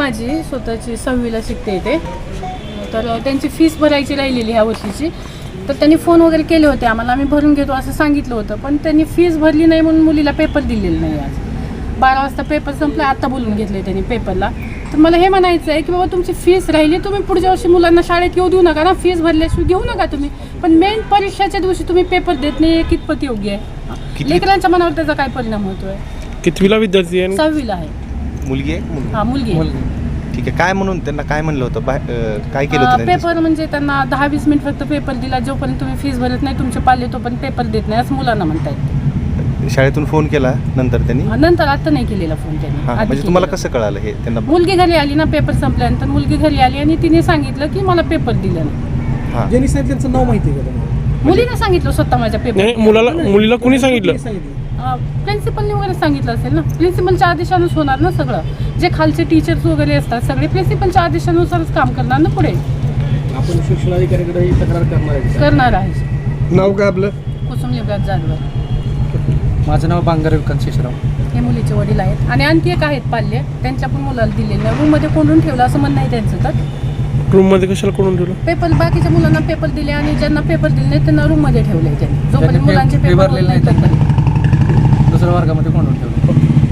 माझी स्वतःची 6वीला शिकते इथे. तर त्यांची फीस भरायची राहिलेली ह्या वर्षीची. तर त्यांनी फोन वगैरे केले होते आम्हाला, आम्ही भरून घेतो असं सांगितलं होतं. पण त्यांनी फीस भरली नाही म्हणून मुलीला पेपर दिलेला नाही. आज 12 वाजता पेपर संपला, आत्ता बोलून घेतलं त्यांनी पेपरला. तर मला हे म्हणायचं आहे की बाबा तुमची फीस राहिली, तुम्ही पुढच्या वर्षी मुलांना शाळेत येऊ देऊ नका ना. फीस भरल्याशिवाय घेऊ नका तुम्ही. पण मेन परीक्षेच्या दिवशी तुम्ही पेपर देत नाही, कितपत योग्य आहे? लेकरांच्या मनावर त्याचा काय परिणाम होतोय? कितवीला विद्यार्थी आहे? 6वीला आहे. मुलगी आहे? हा, मुलगी आहे. ठीक आहे. काय म्हणून त्यांना काय म्हणलं होतं? काय केलं होतं? पेपर म्हणजे त्यांना 10-20 मिनिट फक्त पेपर दिला. जोपर्यंत तुम्ही फीस भरत नाही तुमचे पाल्य तोपर्यंत पेपर देत नाही असं मुलांना म्हणतायत. शाळेतून फोन केला नंतर त्यांनी? नंतर आता नाही केलेला फोन त्यांनी. म्हणजे तुम्हाला कसं कळालं हे? त्यांना मुलगी घरी आली ना, पेपर संपल्यानंतर मुलगी घरी आली आणि तिने सांगितलं की मला पेपर दिला नाही. ज्यांनी सांगितलं त्यांचं नाव माहिती आहे का तुम्हाला? मुलीने सांगितलं स्वतः माझ्या पेपर. मुलीला कोणी सांगितलं? प्रिन्सिपलने वगैरे सांगितलं असेल ना. प्रिन्सिपलच्या आदेशानुसार होणार ना सगळं. जे खालचे टीचर्स वगैरे असतात सगळे प्रिन्सिपलच्या आदेशानुसारच काम करणार ना पुढे. आपण शिक्षणाधिकाऱ्याकडे ही तक्रार करणार आहे. नाव काय आपलं? कुसुम युवराज जाधव. माझं नाव बांगर विकास शेषराव. हे मुलीचे वडील आहेत आणि आणखी एक आहेत पाल्य, त्यांच्या पण मुलाला दिलेलं रूममध्ये कोंडून ठेवलं असं म्हणणं आहे त्यांचं. तर रूममध्ये कशाला कोणून ठेवलं? पेपर बाकीच्या मुलांना पेपर दिले आणि ज्यांना पेपर दिले नाही त्यांना रूममध्ये ठेवले त्यांनी. जोपर्यंत मुलांचे पेपर दुसऱ्या वर्गामध्ये कोंडून ठेवलं.